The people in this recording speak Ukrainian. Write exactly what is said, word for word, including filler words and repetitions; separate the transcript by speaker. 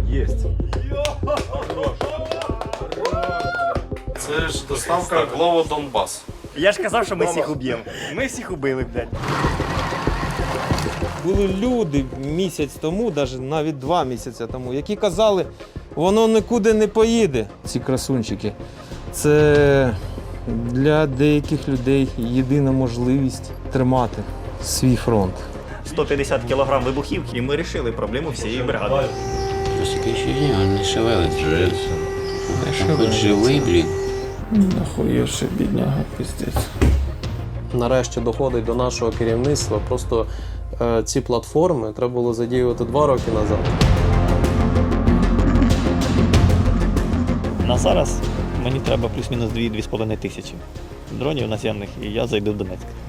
Speaker 1: Єсть.
Speaker 2: Це ж доставка Глово Донбас.
Speaker 3: Я ж казав, що ми всіх уб'ємо. Ми всіх убили, блядь.
Speaker 4: Були люди місяць тому, навіть два місяці тому, які казали, воно нікуди не поїде. Ці красунчики. Це для деяких людей єдина можливість тримати свій фронт.
Speaker 3: сто п'ятдесят кілограм вибухівки, і ми вирішили проблему всієї бригади.
Speaker 5: Таке ощущение, он не шевелится. Там хоть живий, блін.
Speaker 4: Нахуєвши, бідняга, пиздець.
Speaker 6: Нарешті доходить до нашого керівництва. Просто е, ці платформи треба було задіювати два роки назад.
Speaker 7: На зараз мені треба плюс-мінус дві-дві з половиною тисячі дронів наземних, і я зайду в Донецьк.